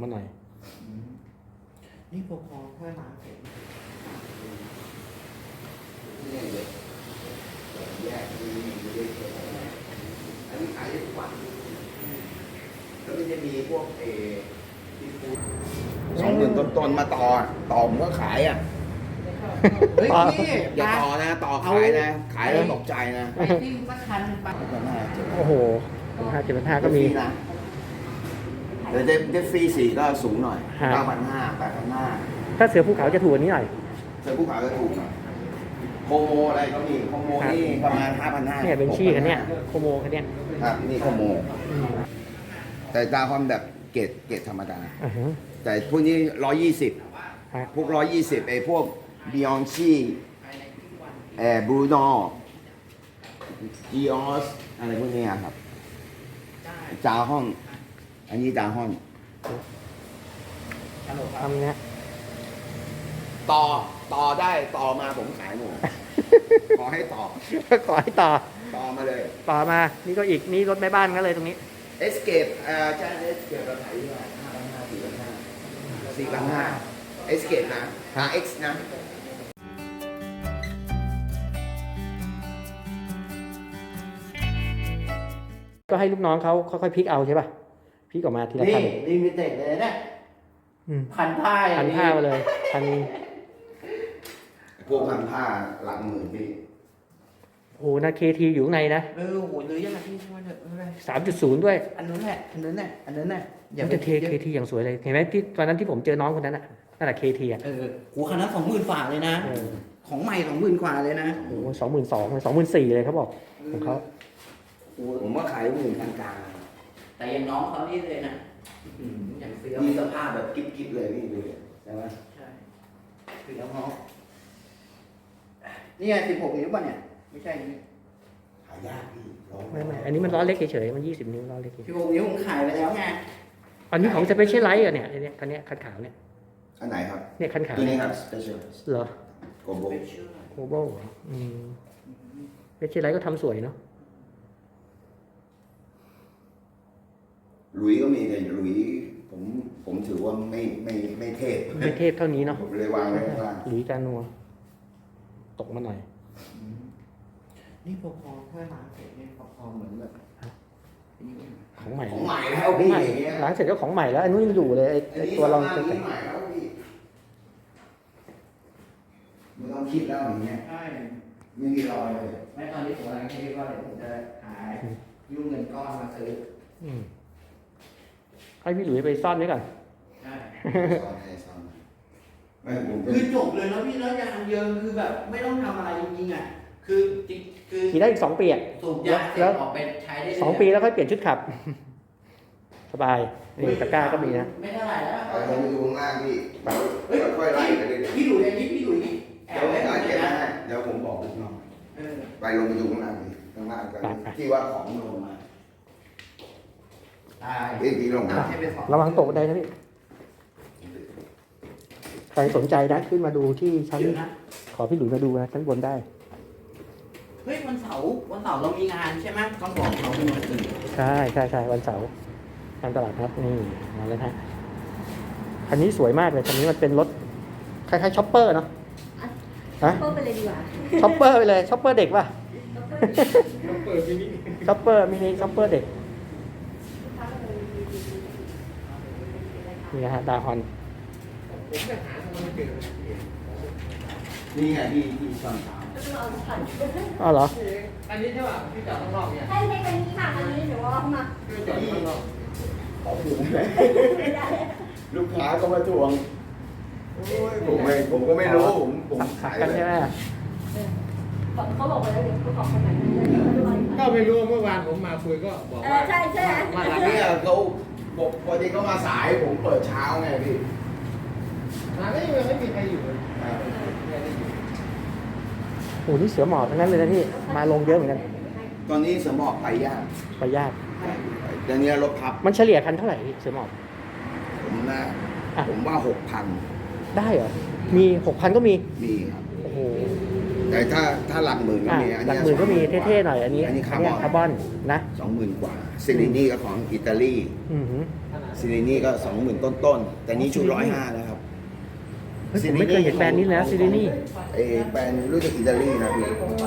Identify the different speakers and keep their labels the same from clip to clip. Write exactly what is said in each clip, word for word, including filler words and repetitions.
Speaker 1: หน่อย
Speaker 2: นี่พอพอแค่ล้างเสร็จ
Speaker 3: เนี่ยเด็กแยกมีมีเด็กอันนี้ขายได้ทุกวันแล้วมันจะมีพวกเอที่ฟูสองหมื่นต้นๆมาต่อต่อผมก็ขายอ่ะเฮ้ยพี่อย่าต่อนะต่อขายนะขายแล้วตกใจนะ
Speaker 2: ไปที่สักคันไป
Speaker 1: โอ้โหห้าเจ็ดพันห้าก็มี
Speaker 3: นะแต่เดฟฟรีสี่ก็สูงหน่อยเก้าพันห้าแปดพันห้า
Speaker 1: ถ้าเสือภูเขาจะถูกกว่านี้หน่อย
Speaker 3: เสือภูเขาจะถูกหน่อยโคโมอะไรก็มีโคโมนี่ประมาณห้าพันห้า
Speaker 1: เนี่ยเป็นชี่คันเนี้ยโคโมคันเนี้ย
Speaker 3: ครับนี่โคโมแต่ดาวความแบบเกรดเกรดธรรมดาแต่พวกนี้ร้อยยี่สิบพวกร้อยยี่สิบไอ้พวกบิออนซี่แอร์บรูโน่จีออสอะไรพวกนี้ครับจาห้องอันนี้จาห้อง
Speaker 1: ทำเนี้ย
Speaker 3: ต่อต่อได้ต่อมาผมขายหมดขอให้ต่อ
Speaker 1: ขอให้ต่อ
Speaker 3: ต่อมาเลย
Speaker 1: ต่อมานี่ก็อีกนี่รถแม่บ้านก็เลยตรงนี้
Speaker 3: เอสเกปอ่าใช่เอสเกปเราขายที่ว่าห้าพันห้าสี่พันห้าสี่พันห้าเอสเกปนะ อาร์ เอ็กซ์ นะ
Speaker 1: ก็ให้ลูกน้องเขาค่อยๆพลิกเอาใช่ป่ะพลิกออกมาทีละคัน
Speaker 2: นี่ลิมิเต็ดเลยนะพันผ้า
Speaker 1: พันผ้ามาเลยพัน
Speaker 3: พวกพันผ้าหลังหมื่นพี่
Speaker 1: โอ้นะเคทีอยู่ข้างในนะ
Speaker 2: เออโหหรือยังไงพี่ช่วยเถอะไม่เป็นไร
Speaker 1: สามจุดศูนย์ด้วย
Speaker 2: อันนู้นแหละอันนู้นแหละอันนู้นแหละ
Speaker 1: อย่าไปเทเคทีอย่างสวยเลยเห็นไหมที่ตอนนั้นที่ผมเจอน้องคนนั้นน่ะนั่นแหละเคทีอ่ะ
Speaker 2: เออโหคันนั้นสองหมื่นฝ่าเลยนะของใหม่สองหมื่นกว่าเลยนะ
Speaker 1: โอ้สองหมื่นสองสองหมื่นสี่เลยเขาบอกของเขา
Speaker 3: ผมว่าขายหมื่นกลาง
Speaker 2: ๆแต่ยังน้องเขานี่เลยนะอย่างเฟี้ยว
Speaker 3: มีสภาพแบบกิ๊บๆเลยพี่ดูใช่ไหม
Speaker 2: ใช่เฟี้ยวเขานี่ไงสิบหกนิ้วป่ะเนี่ยไม่ใช่นี่
Speaker 3: หายากพี่
Speaker 1: ไม่ไม่อันนี้มันล้อเล็กเฉยๆมันยี่สิบนิ้วล้อเล็ก
Speaker 2: สิบหกนิ้วผมขายไปแล้วไง
Speaker 1: อันนี้ของสเปเชียลไลท์อ่ะเนี่ยเนี่ยคันนี้คันขาวเนี่ย
Speaker 3: อันไหนครับ
Speaker 1: เนี่ยคันขาว
Speaker 3: ตัวนี้ครับสเปเชียล
Speaker 1: เหรอ
Speaker 3: โกโบ
Speaker 1: โกโบอืมสเปเชียลไลท์ก็ทำสวยเนาะ
Speaker 3: หลุยก็มีแต่หลุยผมผมถือว่าไม่ไม่ไม่เทพ
Speaker 1: ไม่เทพเท่านี้เนาะ
Speaker 3: ผมเลยวางไว้ข้างล่าง
Speaker 1: หลุยจานัวตกมาหน่อย
Speaker 2: นี่พอพอแค่ล้างเสร็จนี่พอพอเหมือนแบบ
Speaker 1: ของใหม่
Speaker 3: ของใหม่แล้วพี่
Speaker 1: ล้างเสร็จก็ของใหม่แล้วอันนู้นยังอยู่เลยไอ้ตัวรอง
Speaker 3: จะแต่งใหม่แล้วพี่ไม่ต้องคิดแล้วอย่างเงี้ย
Speaker 2: ใช่
Speaker 3: ไม่มีรอยเลย
Speaker 2: ไม่ตอนนี้ผมกำลังคิดว่าเดี๋ยวผมจะหายุ่งเงินก้อนมาซื้อ
Speaker 1: ให้พี่หลุยไปซ่อนไว้ก่อน
Speaker 2: ใช่
Speaker 3: ซ่อนให้ซ่อน
Speaker 2: คือจบเลยแล้วพี่แล้วยางเยิงคือแบบไม่ต้องทำอะไรจริงๆอ่ะคือจริงคือ
Speaker 1: ขี่ได้อีกสองปีอ่ะ
Speaker 2: สูบยาเสร็จออกไปใช้ได้
Speaker 1: สองปีแล้วค่อยเปลี่ยนชุดขับสบายนี่ตะกร้าก็มีนะ
Speaker 2: ไม่เท่าไหร่แล้ว
Speaker 3: เราไปดูข้างล่างพี่ค่อยไล่ไปเรื่อย
Speaker 2: พี่หลุยอย่างนี้พี่หลุย
Speaker 3: เดี๋ยวผมเก็บให้เดี๋ยวผมบอกลูกน้องไปลงไปดูข้างล่างดิข้างล่างกันที่ว่าของลงมาเอ้ยพี่ลงมา
Speaker 1: ระวังตกได้นะพี่ใครสนใจนะขึ้นมาดูที่ชั้นขอพี่หลุยมาดูนะชั้นบนได้
Speaker 2: เฮ้ยวันเสาร์วันเสาร์เรามีงานใช่ไหมต้องบอกเขาเป็นวันอื่น
Speaker 1: ใช่ใช่ใช่วันเสาร์งานตลาดครับนี่มาแล้วฮะคันนี้สวยมากเลยคันนี้มันเป็นรถคล้ายๆช็อปเปอร์เนาะ
Speaker 4: ช็อปเปอร์ไปเลยดีกว่า
Speaker 1: ช็อปเปอร์ไปเลยช็อปเปอร์เด็กป่ะช็อปเปอร์มินิช็อปเปอร์เด็กนี่นะฮะดาฮอน
Speaker 3: นี่ไงที่ที่ซ่อนสาม
Speaker 1: อ๋อเหรอ
Speaker 2: อันนี้ใช่ป่ะพี่จอดข้างนอกเนี่ย
Speaker 4: ใช่ใช่คันนี้ค่ะคันนี้เดี๋ยวว่ามา
Speaker 2: พี่จอดข้างนอก
Speaker 3: ขอถูกไหมลูกค้าก็มาทวงผมไม่ผมก็ไม่รู้ผมผม
Speaker 1: ขายกันใช่ไหม
Speaker 4: เขาบอกไปแล้วเดี๋ยวเขาบอกคนไหน
Speaker 2: ก็ไม่รู้เมื่อวานผมมาคุยก็บอกว่า
Speaker 4: ใช่ใช่
Speaker 3: มาหลังนี้เขาบอกพอดีเขามาสายผมเปิดเช้าไงพี่
Speaker 2: ร้านก็ยังไม่มีใครอยู่
Speaker 1: โอ้นี่เสือหมอบทั้งนั้นเลยนะพี่มาลงเยอะเหมือนกัน
Speaker 3: ตอนนี้เสือหมอบไปยาก
Speaker 1: ไปยาก
Speaker 3: เดี๋ยวนี้รถพับ
Speaker 1: มันเฉลี่ยคันเท่าไหร่เสือหมอบ
Speaker 3: ผมนะผมว่าหกพัน
Speaker 1: ได้เหรอมีหกพันก็มี
Speaker 3: มีครับ
Speaker 1: โอ้โห
Speaker 3: แต่ถ้าถ้าหลักหมื่นก็
Speaker 1: อ่ะ
Speaker 3: มีอัน
Speaker 1: หลั
Speaker 3: เนี้
Speaker 1: กหมื่นก็มีเท่ๆหน่อยอันนี้
Speaker 3: อันนี้คาร์บอน
Speaker 1: คาร์บอนนะ
Speaker 3: สองหมื่นกว่าซิลินี่ก็ของอิตาลี
Speaker 1: อือหือ
Speaker 3: ซิลินี่ก็สองหมื่นต้นๆแต่นี้ชุดร้อยห้าแล้วครับ
Speaker 1: เฮ้ยผมไม่เคยเห็นแบรนด์นี้แล้วซิลินี่
Speaker 3: เอแบรนด์รู้จักอิตาลีนะพี่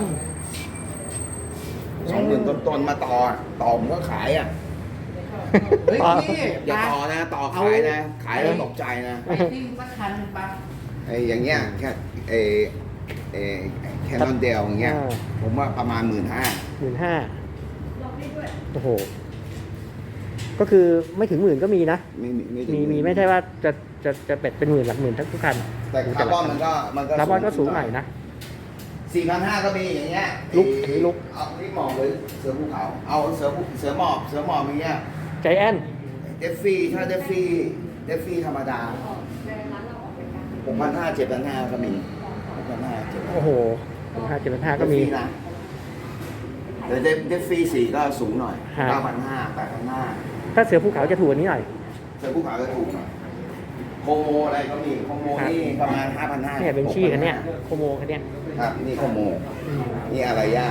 Speaker 3: สองหมื่นต้นๆมาต่อต่อผมก็ขายอ่ะ
Speaker 2: เฮ้ยพี่
Speaker 3: อย่าต่อนะ ต่อขายนะ ขายแล้วตกใจนะ
Speaker 2: ไปซิ่งสักคันหนึ่งปะ
Speaker 3: ไอ้อย่างเงี้ยแค่ไอ้ไอ้แค่นอนเดลอย่างเงี้ย
Speaker 1: อ่า
Speaker 3: ผมว่าประมาณหมื่นห้า
Speaker 1: หมื่นห้าโอ้โห ก็คือไม่ถึงหมื่นก็มีนะ
Speaker 3: ไม่ไม่ถึง
Speaker 1: มีมีไม่ใช่ว่าจะจะจะเป็ดเป็นหมื่นหลักหมื่นทั้งทุกคัน
Speaker 3: แต่คาร์บอนมันก็มันก็
Speaker 1: คาร์บอนก็สูงหน่อยนะ
Speaker 3: สี่พันห้าก็มีอย่างเงี้ย
Speaker 1: ลุกอันนี้ลุก
Speaker 3: เอาที่หมอบหรือเสือภูเขา เอาเสือภูเสือหมอบเสือหมอบอย่างเงี้ย
Speaker 1: ใจแอน
Speaker 3: เดฟฟี่ถ้าเดฟฟี่เดฟฟี่ธรรมดาหกพันห้าเจ็ดพันห้าก็มีหกพันห้าเจ็ดพัน
Speaker 1: โอ้โหหนึ่งห้าเจ็ดพันห้าก็มี
Speaker 3: นะแต่เดฟเดฟฟี่สี่ก็สูงหน่อย
Speaker 1: ฮะ
Speaker 3: เก้าพันห้าแปดพันห้า
Speaker 1: ถ้าเสือภูเขาจะถูกกว่านี้หน่อย
Speaker 3: เสือภูเขาก็ถูกหน่อยโคโมอะไรก็มีโคโมนี่ประมาณห้าพันห้า
Speaker 1: เนี่ยเป็นชี่กันเนี่ยโคโมกันเนี่ย
Speaker 3: ครับนี่โคโม
Speaker 1: อืม
Speaker 3: นี่อะไรย่า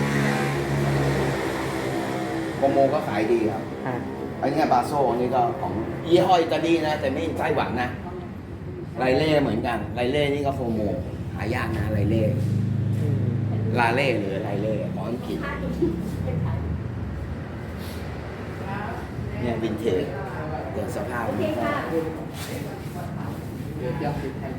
Speaker 3: โคโมก็ขายดีครับ
Speaker 1: อ่า
Speaker 3: อันนี้บาโซนี่ก็ของยี่ห้ออิตาลีนะ แต่ไม่ไต้หวันนะไลเล่เหมือนกันไลเล่นี่ก็โคโมหายากนะไลเล่
Speaker 1: อืม
Speaker 3: ลาเล่หรือไลเล่ของอังกฤษเนี่ยวินเทจเดี๋ยวสภาพมันก็
Speaker 2: เดี๋ยวจะติดแทน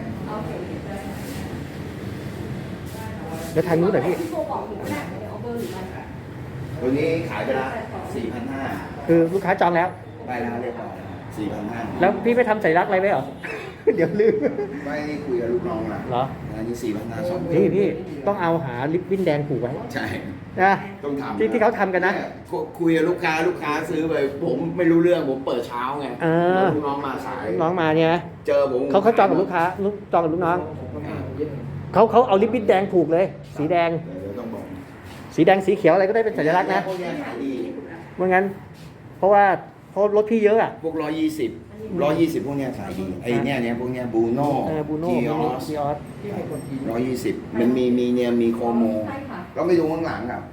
Speaker 1: แล้วทางนู้นเหรอพี่
Speaker 4: ที่โทรบอกหนูก็ได้ไม่ได้เอาเบอร์หรืออะไร
Speaker 3: ตัวนี้ขายไปละสี่พันห้า
Speaker 1: คือลูกค้าจองแล้ว
Speaker 3: ได้แล้วเรียบร้อยสี่พันห้า
Speaker 1: แล้วพี่ไปทำสัญลักษณ์อะไรไว้เหรอ เดี๋ยวลืม
Speaker 3: ไม่ได้คุยกับลูกน้องนะ
Speaker 1: เหรอ
Speaker 3: อันนี้สี่พันห้าสอง
Speaker 1: พี่พี่ต้องเอาหาลิปบิ้นแดงผูกไว้
Speaker 3: ใช่
Speaker 1: นะ
Speaker 3: ต้องทำ
Speaker 1: ที่ที่เขาทำกันนะ
Speaker 3: เยคุยกับลูกค้าลูกค้าซื้อไปผมไม่รู้เรื่องผมเปิดเช้าไง
Speaker 1: เออ
Speaker 3: ลูกน้องมาสาย
Speaker 1: น้องมาเนี่ยนะ
Speaker 3: เจอผม
Speaker 1: เขาเขาจองกับลูกค้าลูกจองกับลูกน้องเขาเขาเอาลิปบิ้นแดงผูกเลย สีแดง
Speaker 3: เดี๋ยวต้องบอก
Speaker 1: สีแดงสีเขียวอะไรก็ได้เป็นสัญลักษณ์นะ
Speaker 3: พวกเนี้ยขายดี
Speaker 1: เมื่องั้น เพราะว่าเพราะรถพี่เยอะอ่ะ
Speaker 3: พวกร้อยยี่สิบร้อยยี่สิบพวกเนี้ยขายดีไอ้เนี่ยเนี่ยพวกเนี้ยบูโน่
Speaker 1: เออบูโน่
Speaker 3: จี
Speaker 1: มิ
Speaker 3: อ
Speaker 1: นิ
Speaker 3: อส
Speaker 1: ซีออส
Speaker 3: ร้อยยี่สิบมันมีมีเนี่ยมีโคโม
Speaker 4: ใช่ค่ะ
Speaker 3: ก็ไปดูข้างหลังครับ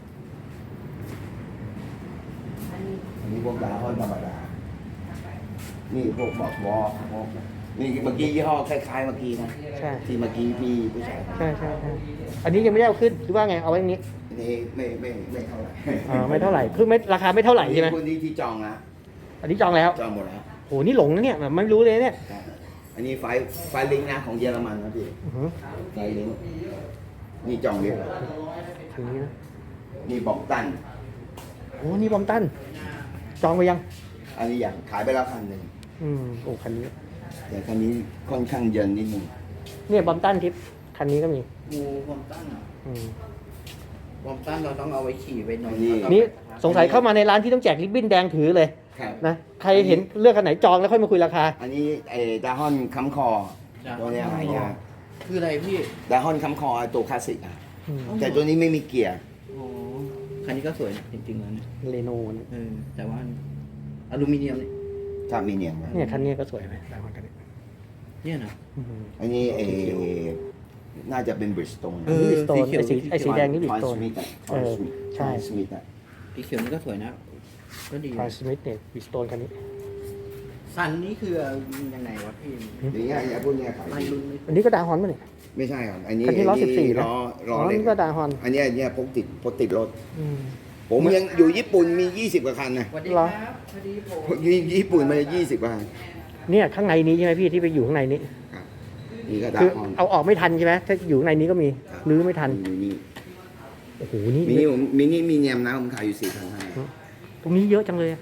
Speaker 4: อันนี้
Speaker 3: อันนี้พวกดาฮอนธรรมดา นี่พวกบอกวอลพวกนี่เมื่อกี้ยี่ห้อคล้ายๆเมื่อกี้นะ
Speaker 1: ใช่
Speaker 3: ที่เมื่อกี้พี่ผู้ชาย
Speaker 1: ใช่ใช่ใช่อันนี้ยังไม่ได้เอาขึ้นหรือว่าไงเอาไว้อย่างนี้
Speaker 3: อันนี้ไม่ไม่ไม่เท่าไหร่
Speaker 1: อ่าไม่เท่าไหร่เพิ่งไม่ราคาไม่เท่าไหร่ใช่ไหม
Speaker 3: คนที่ที่จองนะ
Speaker 1: อันนี้จองแล้ว
Speaker 3: จองหมดแล้ว
Speaker 1: โหนี่หลงนะเนี่ยแบบไม่รู้เลยเนี่ย
Speaker 3: อันนี้ไฟไฟลิงก์นะของเยอรมันนะพี่
Speaker 1: อื้อหือ
Speaker 3: ไฟลิงก์นี่จองเรียบร้อย
Speaker 1: คันนี้นะ
Speaker 3: นี่บอกตัน
Speaker 1: โอ้นี่บอมตันจองไปยัง
Speaker 3: อันนี้อย่างขายไปแล้วคันหนึ่ง
Speaker 1: อืมโอ้คันนี้
Speaker 3: แต่คันนี้ค่อนข้างเยินนิดนึง
Speaker 1: เนี่ยบอมตันทิปคันนี้ก็มี
Speaker 2: งูความตั้งอ่ะ
Speaker 1: อืม
Speaker 2: ความตั้งเราต้องเอาไว้ขี่ไว้นอน
Speaker 1: นี่สงสัยเข้ามาในร้านที่ต้องแจกริบบิ้นแดงถือเลย
Speaker 3: ครับ
Speaker 1: นะใครเห็นเลือกคันไหนจองแล้วค่อยมาคุยราคา
Speaker 3: อันนี้ไอ้ดาฮอนค้ำคอตัวเนี้ยหายาก
Speaker 2: คืออะไรพี่
Speaker 3: ดาฮอนค้ำคอไอ้ตัวคลาสสิกอะ
Speaker 1: อืม
Speaker 3: แต่ตัวนี้ไม่มีเกียร์
Speaker 2: อ๋อคันนี้ก็สวยนะจริงๆแล้วเนี่ย
Speaker 1: เรโน่เนี่ย
Speaker 2: เออแต่ว่าอลูมิเนียมเนี่ย
Speaker 3: ถ้ามีเนียมนะ
Speaker 1: เนี่ยคันนี้ก็สวยไหมแต่คนคันนี้
Speaker 2: เนี่ยนะ
Speaker 1: อืม
Speaker 3: อันนี้เอน่าจะเป็นบริสโตน
Speaker 2: เออ
Speaker 1: บิสโตน
Speaker 2: สีเขียว
Speaker 1: ไอสีไอสีแดงนี่บิ
Speaker 3: ท
Speaker 1: ส
Speaker 3: อย
Speaker 1: โต
Speaker 3: ส
Speaker 1: น
Speaker 3: มิธอะ
Speaker 1: เออใช่
Speaker 3: ทอยสมิธอะ
Speaker 2: สีเขียวนี่ก็สวยนะก็ดี
Speaker 1: ทรานสมิธเนี่ยบิสโตนคันนี้
Speaker 2: สันนี่คือยังไงวะพี่
Speaker 3: อย่างเงี้ยไอ้พวกเนี้ยขาย
Speaker 2: ไล่
Speaker 3: ดี
Speaker 2: รุ่นไม่
Speaker 1: อันนี้ก็ดาฮอนมั้ยเนี่ย
Speaker 3: ไม่ใช่ครับ อันนี้
Speaker 1: คันที่ล้อสิบสี่นะ
Speaker 3: ล้อ
Speaker 1: อ๋
Speaker 3: ล้
Speaker 1: อ
Speaker 3: อเล็ก
Speaker 1: นี่ก็ดาฮอน
Speaker 3: อันเนี้ยอันเนี้ยพกติดพกติดรถ
Speaker 1: อืม
Speaker 3: ผมยังอยู่ญี่ปุ่นมียี่สิบกว่าคันนะ
Speaker 2: สวัสดี
Speaker 1: เหร
Speaker 2: ค
Speaker 1: อ
Speaker 2: รับพอดีผม
Speaker 3: พวกญี่ปุ่นมายี่สิบกว่าคัน
Speaker 1: เนี่ยข้างในนี้ใช่ไหมพี่ที่ไปอยู่ข้างในนี้
Speaker 3: ครับนี่ก็ดา
Speaker 1: คือ
Speaker 3: ฮอน
Speaker 1: เอาออกไม่ทันใช่ไหมถ้าอยู่ข้างในนี้ก็มีรื้อไม่ทัน
Speaker 3: มินิ
Speaker 1: โอ้โหนี่
Speaker 3: มินิผมมินิมีเนียมนะผมขายอยู่สี่พันห้า
Speaker 1: ตรงนี้เยอะจังเลยอะ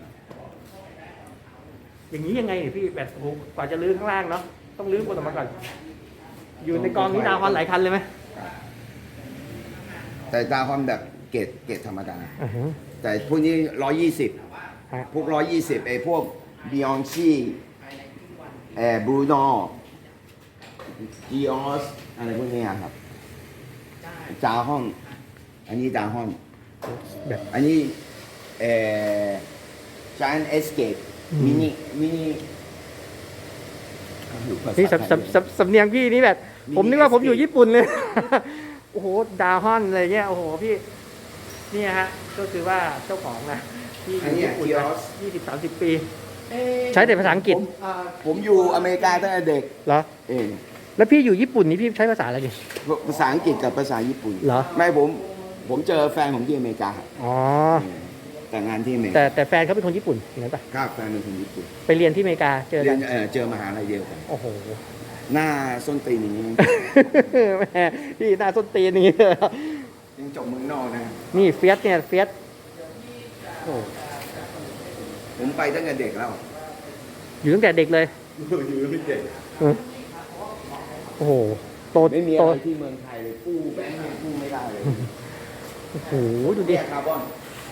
Speaker 1: อย่างนี้ยังไงเนี่ยพี่แบบโอ้โหกว่าจะรื้อข้างล่างเนาะต้องรื้อบนออกมาก่อน อยู่ในกองนี้ดาวฮอนหลายคันเลยไหม
Speaker 3: แต่ดาฮอนแบบเกรดเกรดธรรมดา
Speaker 1: อ่าฮะ
Speaker 3: แต่พวกนี้ร้อยยี่สิบ
Speaker 1: ฮะ
Speaker 3: พวกร้อยยี่สิบไอ้พวกบิออนชี่เอ่อบรูโน่จีออสอะไรพวกเนี้ยครับจาห้อง อันนี้จาห้อง
Speaker 1: แบบ
Speaker 3: อันนี้เอ่อ Giant Escape มินิมินิ
Speaker 1: นี่สำสำสำสำเนียงพี่นี่แบบผมนึกว่าผมอยู่ญี่ปุ่นเลย โอ้โหดาวฮอนอะไรเงี้ยโอ้โหพี่เนี่ยฮะก็คือว่าเจ้าของนะที่อยู่ญี่ปุ่นมายี่สิบสามสิบปี ใช้แต่ภาษาอังกฤษ
Speaker 3: ผมอ่าผมอยู่อเมริกาตั้งแต่เด็ก
Speaker 1: เหรอ
Speaker 3: เออ
Speaker 1: แล้วพี่อยู่ญี่ปุ่นนี่พี่ใช้ภาษาอะไรดิ
Speaker 3: ภาษาอังกฤษกับภาษาญี่ปุ่น
Speaker 1: เหรอ
Speaker 3: ไม่ผมผมเจอแฟนผมที่อเมริกา
Speaker 1: อ๋อ
Speaker 3: เออแต่งงานที่อเมริ
Speaker 1: แต่
Speaker 3: กา
Speaker 1: แต่แฟนเขาเป็นคนญี่ปุ่นอย่างนั้นปะ
Speaker 3: ครับแฟนเป็นคนญี่ปุ่น
Speaker 1: ไปเรียนที่อเมริกาเจอ
Speaker 3: เรี
Speaker 1: กั
Speaker 3: ย
Speaker 1: น
Speaker 3: นเออเจอมหาลัยเดียวกัน
Speaker 1: โอ้โห
Speaker 3: หน้าส้นตีนอย่างนี้
Speaker 1: แม่พี่หน้าส้นตีนอย่างนี้เลย
Speaker 3: ยังจบเมืองนอกนะ
Speaker 1: นี่เฟียสเนี่ยเฟียสโอ้
Speaker 3: ผมไปตั้งแต่เด็กแล้ว
Speaker 1: อยู่ตั้งแต่เด็กเลย
Speaker 3: อยู่ตั้งแต่เด็ก
Speaker 1: เออโอ้โหโต
Speaker 3: ไม่มี
Speaker 1: โต
Speaker 3: อะไรที่เมืองไทยเลยกู้แบงค์ยังกู้ไม่ได้เลย
Speaker 1: โอ้โหดูดิ
Speaker 3: เนี่ยคาร์บอน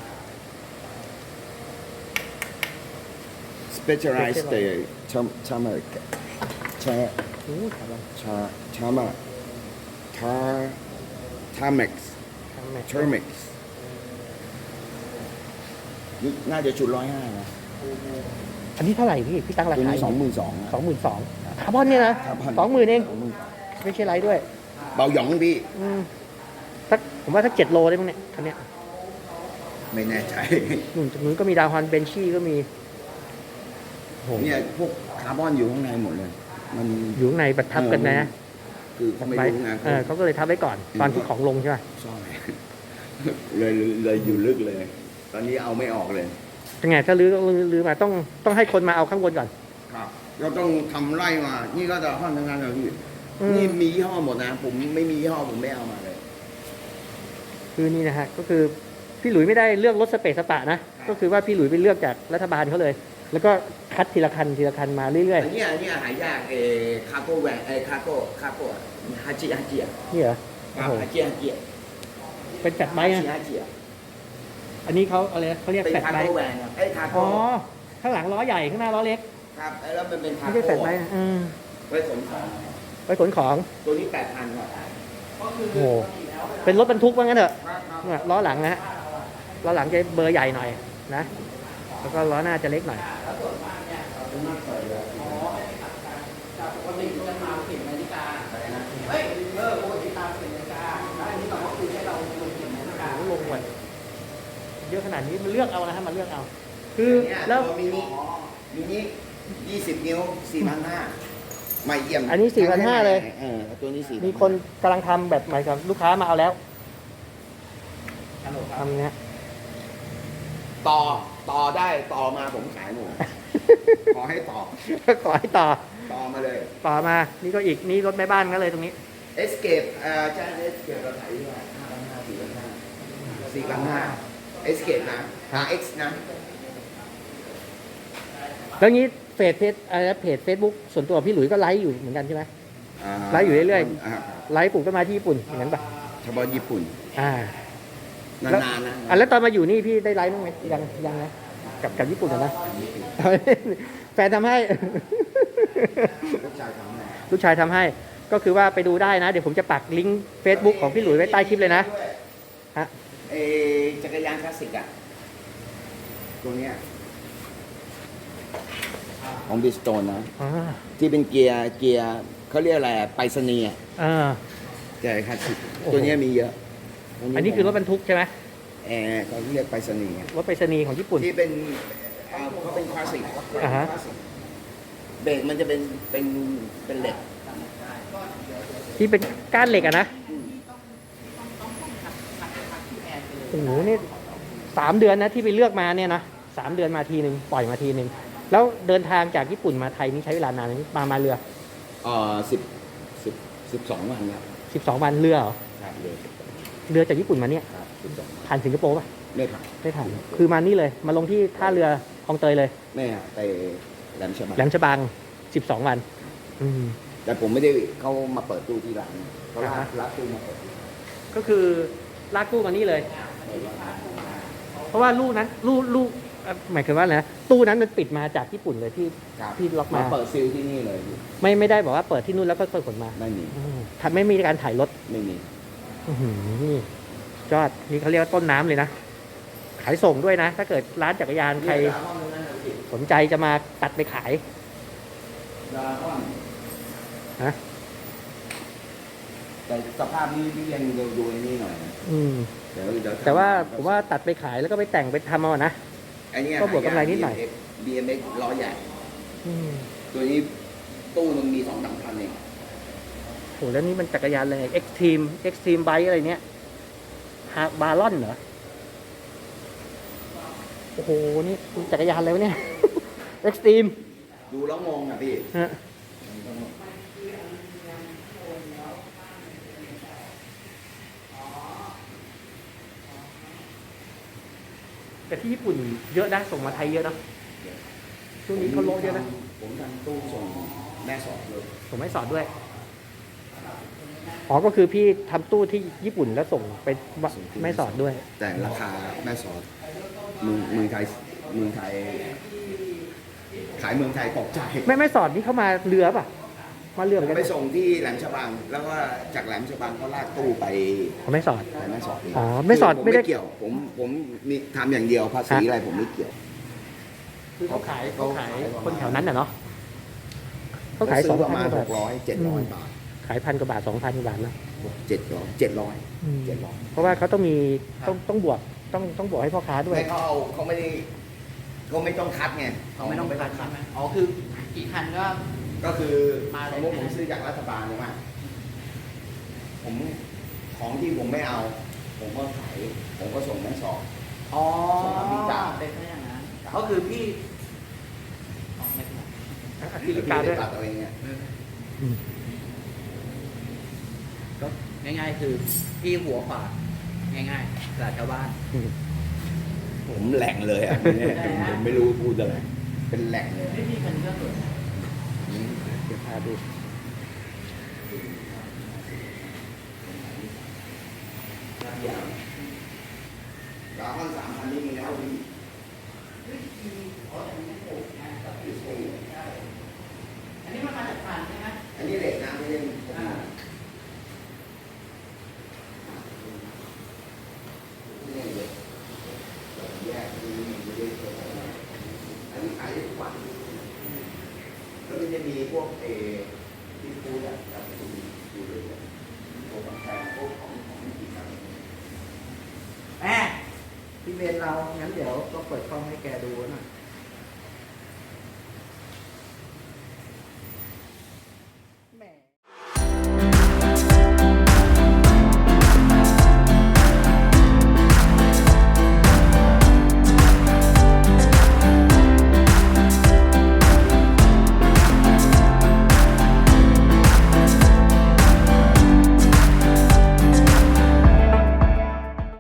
Speaker 3: specialized เตชาชามาชา
Speaker 1: โอ้โหถามว่า
Speaker 3: ชาชามาทาทาเม็กซ์
Speaker 1: ทำไม
Speaker 3: เทอร์เม็กซ์นี่น่าจะชุดร้อยห้านะ
Speaker 1: อันนี้เท่าไหร่พี่พี่ตั้งรา
Speaker 3: ตัว
Speaker 1: คา
Speaker 3: นี้สองหมื่นสอง
Speaker 1: สองหมื่นสองคาร์บอนเนี่ยนะสองหมื่นเองไม่ใช่ไรด้วย
Speaker 3: เบาหยองพี่
Speaker 1: อืมสักผมว่าสักเจ็ดโลได้มั้งเนี่ยคันเนี้ย
Speaker 3: ไม่แน่ใจ
Speaker 1: นู่นตรงนู้นก็มีดาวฮอนเบนชี่ก็มีโอ้โห
Speaker 3: เนี่ยพวกคาร์บอนอยู่ข้างในหมดเลย มัน
Speaker 1: อยู่ข้างในบัดทับกันนะ
Speaker 3: คือเขาไม่
Speaker 1: ไว้
Speaker 3: รู้ไง
Speaker 1: เออเขาก็เลยทับไว้ก่อน ตอนที่ของลงใช่ไหม
Speaker 3: ใช่ เลยเลยอยู่ลึกเลย ตอนนี้เอาไม่ออกเลย
Speaker 1: ยังไงถ้าลื้อก็ลื้อมาต้องต้องให้คนมาเอาข้างบนก่อน
Speaker 3: ครับเราต้องทำไร่มา นี่ก็จะห้องทำงานเราพี่
Speaker 1: อืม
Speaker 3: นี่มียี่ห้อหมดนะ ผมไม่มียี่ห้อผมไม่เอามาเลย
Speaker 1: คือนี่นะฮะก็คือพี่หลุยไม่ได้เลือกรถสเปซสปะนะ ก็คือว่าพี่หลุยไปเลือกจากรัฐบาลเขาเลย แล้วก็คัดทีละคันทีละคันมาเรื่อย
Speaker 3: อันเนี้ยอันเนี้ยหายากเออคาโก้แหวนเออคาโก้คาโก้ฮาจิฮาจิอะ
Speaker 1: ๆนี่เหรอ
Speaker 3: ครั
Speaker 1: โอ้
Speaker 3: บ
Speaker 1: โห
Speaker 3: ฮาจิฮาจิอะ
Speaker 1: เป็นแฟลตไบ
Speaker 3: ฮา
Speaker 1: ค์
Speaker 3: จิ
Speaker 1: นะ
Speaker 3: ฮาจิอะ
Speaker 1: อันนี้เขาอะไรเขาเรียก
Speaker 3: เป็น
Speaker 1: แฟลต
Speaker 3: คา
Speaker 1: ไบ
Speaker 3: โก้
Speaker 1: ค์
Speaker 3: แหวนครับเอ้ยคา
Speaker 1: อ๋
Speaker 3: โก้
Speaker 1: อข้างหลังล้อใหญ่ข้างหน้าล้อเล็ก
Speaker 3: ครับแล้วมันเป็นคา
Speaker 1: ไม่ใช่
Speaker 3: โก้
Speaker 1: แฟลตไบค์นะอืม
Speaker 3: ไว้ขนของ
Speaker 1: ไว้ขนของ
Speaker 3: ตัวนี้แปดพันครับ
Speaker 1: โอ้โหเป็นรถบรรทุกว่างั้นเถอะเนี่ยล้อหลังนะฮะล้อหลังจะเบอร์ใหญ่หน่อยนะแล้วก็ล้อหน้าจะเล็กหน่อย ลงหมดเยอะขนาดนี้มันเลือกเอานะฮะมันเลือกเอา คือ
Speaker 3: เนี่ย
Speaker 1: แล้ว
Speaker 3: ตัวมินิมินิยี่สิบนิ้วสี่พันห้าไม่เยี่ยม
Speaker 1: อันนี้สี่พันห้าเลย
Speaker 3: เออตัวนี้สี่
Speaker 1: มีคนกำลังทำแบบหมายความลูกค้ามาเอาแล้วทำเนี้ย
Speaker 3: ต่อต่อได้ต่อมาผมขายหมด ขอให้ต่อ
Speaker 1: ขอให้ต่อ
Speaker 3: ต่อมาเลย
Speaker 1: ต่อมา นี่ก็อีก นี่รถแม่บ้านก็เลยตรงนี้
Speaker 3: Escape เอ่อใช่ Escape เราขายที่ว่าห้าพันห้าสี่พันห้าสี่พันห้า Escape นะ อาร์ เอ็กซ์ นะ
Speaker 1: แล้วงี้เฟซเพจอะไรนะเพจเฟซบุ๊กส่วนตัวพี่หลุยส์ก็ไลฟ์อยู่เหมือนกันใช่ไหม
Speaker 3: า
Speaker 1: ไลฟ์อยู่เรื่อย
Speaker 3: า
Speaker 1: ไลฟ์ปลูกต้นไม้ที่ญี่ปุ่นอย่างนั้นปะ
Speaker 3: เฉพาะญี่ปุ่น
Speaker 1: อ่า
Speaker 3: นานๆนะ
Speaker 1: อ่ะแล้วตอนมาอยู่นี่พี่ได้ไลฟ์บ้างไหมยังยังนะกับกับญี่ปุ่นอะนะ แฟนทำให้
Speaker 3: ลูกชายทำให้
Speaker 1: ลูกชายทำให้ ก็คือว่าไปดูได้นะ เดี๋ยวผมจะปักลิงก์ Facebook ของพี่หลุยไว้ใต้คลิปเลยนะฮะ
Speaker 3: เออจักรยานคลาสสิกอะตัวเนี้ยของบิสโตนนะ
Speaker 1: อ่า
Speaker 3: ที่เป็นเกียร์เกียร์เขาเรียกอะไรอะไปรษณีย์อะ
Speaker 1: อ่า
Speaker 3: เกียร์คลาสสิก
Speaker 1: โอ้โห
Speaker 3: ตัวเนี้ยมีเยอะ
Speaker 1: อันนี้คือรถบรรทุกใช่ไหม
Speaker 3: แอร์เขาเรียกไปรษณีย์อะ
Speaker 1: รถไปรษณีย์ของญี่ปุ่น
Speaker 3: ที่เป็นเอ่อเขาเป็นคลาสสิก
Speaker 1: อ่าฮะ
Speaker 3: คลาสสิกเบรกมันจะเป็นเป็นเป็นเหล็ก
Speaker 1: ที่เป็นก้านเหล็กอะนะโอ้โหนี่สามเดือนนะที่ไปเลือกมาเนี่ยนะสามเดือนมาทีหนึ่งปล่อยมาทีหนึ่งแล้วเดินทางจากญี่ปุ่นมาไทยนี่ใช้เวลานานไหมมามาเรือ
Speaker 3: เอ่อสิบสิบสิบสองวันครับ
Speaker 1: สิบสองวันเรือเหรอ
Speaker 3: ครับเลย
Speaker 1: เรือจากญี่ปุ่นมาเนี่ย
Speaker 3: ครับสิบสองวัน
Speaker 1: ผ่านสิงคโปร์ป่ะ
Speaker 3: ไม่ผ่าน
Speaker 1: ไม่ผ่านคือมานี่เลยมาลงที่ท่าเรือคลองเตยเลย
Speaker 3: ไม่ฮะไปแหลมฉบัง
Speaker 1: แหลมฉบังสิบสองวัน อืม
Speaker 3: แต่ผมไม่ได้เขามาเปิดตู้ที่ร้านเขาลา
Speaker 1: อ่าฮะ
Speaker 3: รับตู้มาเปิดตู้
Speaker 1: ก็คือลากตู้มานี่เลย เพราะว่าลูกนั้นลูกลูกเอ่อหมายถึงว่าอะไรนะตู้นั้นมันปิดมาจากญี่ปุ่นเลยที่
Speaker 3: ครับ
Speaker 1: ที่ล็อกมา
Speaker 3: มาเปิดซิลที่นี่เลย
Speaker 1: ไม่ไม่ได้บอกว่าเปิดที่นู่นแล้วก็ค่อยขนมา
Speaker 3: ไม่มี
Speaker 1: อืมทำไม่มีการถ่ายรถ
Speaker 3: ไม่มี
Speaker 1: อื้อหือนี่ยอดนี่เขาเรียกว่าต้นน้ำเลยนะ ขายส่งด้วยนะ ถ้าเกิดร้านจักรยานใครสนใจจะมาตัดไปขาย
Speaker 3: ดราก้อน
Speaker 1: ฮะ
Speaker 3: แต่สภาพนี้พี่ยังดูดูไอ้นี่หน่อยนะ
Speaker 1: อืม
Speaker 3: เดี๋ยวเดี๋ยว
Speaker 1: แต่ว่าผมว่าตัดไปขายแล้วก็ไปแต่งไปทำเอาอะนะ
Speaker 3: ไอ้เนี่ย
Speaker 1: ก็บวกกำไรนิดหน่อย
Speaker 3: บี เอ็ม เอ็กซ์ ล้อใหญ่
Speaker 1: อืม
Speaker 3: ตัวนี้ตู้มันมีสองสามพันเอง
Speaker 1: โหแล้วนี่มันจักรยานอะไร Extreme Extreme Bike อะไรเนี้ยฮาบารอนเหรอ โอ้โห นี่จักรยานอะไรวะเนี่ย Extreme
Speaker 3: ดูแล้วงงอ่ะพี่
Speaker 1: ฮะแต่ที่ญี่ปุ่นเยอะนะ ส่งมาไทยเยอะนะช่วงนี้เขาโลเยอะนะ
Speaker 3: ผมทำตู้ส่งแม่สอดเลย
Speaker 1: ผมไม่สอนด้วย อ๋อ ก็คือพี่ทำตู้ที่ญี่ปุ่นแล้วส่งไปไม่สอนด้วย
Speaker 3: แต่ราคาแม่สอดเมืองเมืองไทยเมืองไทย ขายเมืองไทยตกใจ
Speaker 1: ไม่ไม่สอนนี่เข้ามาเรือป่ะ มาเรือเหมือนกัน
Speaker 3: ไปส่งที่แหลมฉบัง แล้วก็จากแหลมฉบังก็ลากตู้ไป
Speaker 1: ผมไม่สอน
Speaker 3: ไปแม่สอดเง
Speaker 1: อ๋อแม่สอด
Speaker 3: คือผม
Speaker 1: ไม่ได้
Speaker 3: ไม่เกี่ยว ผมผมมีทำอย่างเดียวภาษีอะไรผมไม่เกี่ยว
Speaker 1: คือเขาขายเขาขายคนแถวนั้นน่ะเนาะเขาขายส
Speaker 3: ซื้
Speaker 1: อง
Speaker 3: ประ
Speaker 1: พั
Speaker 3: มาน ณ
Speaker 1: กว่า
Speaker 3: ห
Speaker 1: บาท
Speaker 3: กร้อยเจ็ดร้อยบาท
Speaker 1: ขายพันกว่าบาทสองพันกว่าบาทเนาะ
Speaker 3: เจ็ดร้อยเจ็ดร้อย
Speaker 1: อืม
Speaker 3: เจ็ดร้อย
Speaker 1: เพราะว่าเขาต้องมีต้องต้องบวกต้องต้องบวกให้พ่อค้าด้วย
Speaker 3: ไม่เขาเอาเขาไม่ได้เขาไม่ต้องคัดไง
Speaker 2: เขาไม่ต้องไปคัดใช่ไหมอ๋อคือกี่คันก็
Speaker 3: ก็คือ
Speaker 2: มาเลย
Speaker 3: สมมติผมซื้อจากรัฐบาลใช่ไหมผมของที่ผมไม่เอา ผมก็ขายผมก็ส่งแม่สอด
Speaker 2: อ๋อ
Speaker 3: ส่งอเมริกา
Speaker 2: เป็นแค่อย่างนั้นก็คือพี่อ๋อไม่เป็นไร
Speaker 1: อธิการด้วย
Speaker 3: ตัดเอาเองเนี่ย
Speaker 1: อืม
Speaker 2: ก็ง่ายๆคือพี่หัวขวาง่ายๆตลาดชาวบ้าน
Speaker 1: อืม
Speaker 3: ผมแหล่งเลยอ่ะเนี่ยผมไม่รู้พูดอะไรเป็นแหล่งเลย
Speaker 2: ไม่มีคันก็สวย
Speaker 1: เดี๋ยวพาดู
Speaker 3: ดาวน์สามพันนี่มีแล้วพี่
Speaker 2: อันนี้มันมาจากผ่านใช่ไหม
Speaker 3: อันนี้เหล็กนะไม่ใช่ผมเนี่ยเหล็กแยกที่ไม่ได้ตัวอันนี้ขายได้ทุกวันแล้วมันจะมีพวกเอที่พูดอะกับคุณอยู่ด้วยกันพวกแฟนพวกของของกินกัน
Speaker 2: แหมพี่เบนเรา งั้นเดี๋ยวก็เปิดกล้องให้แกดูหน่อย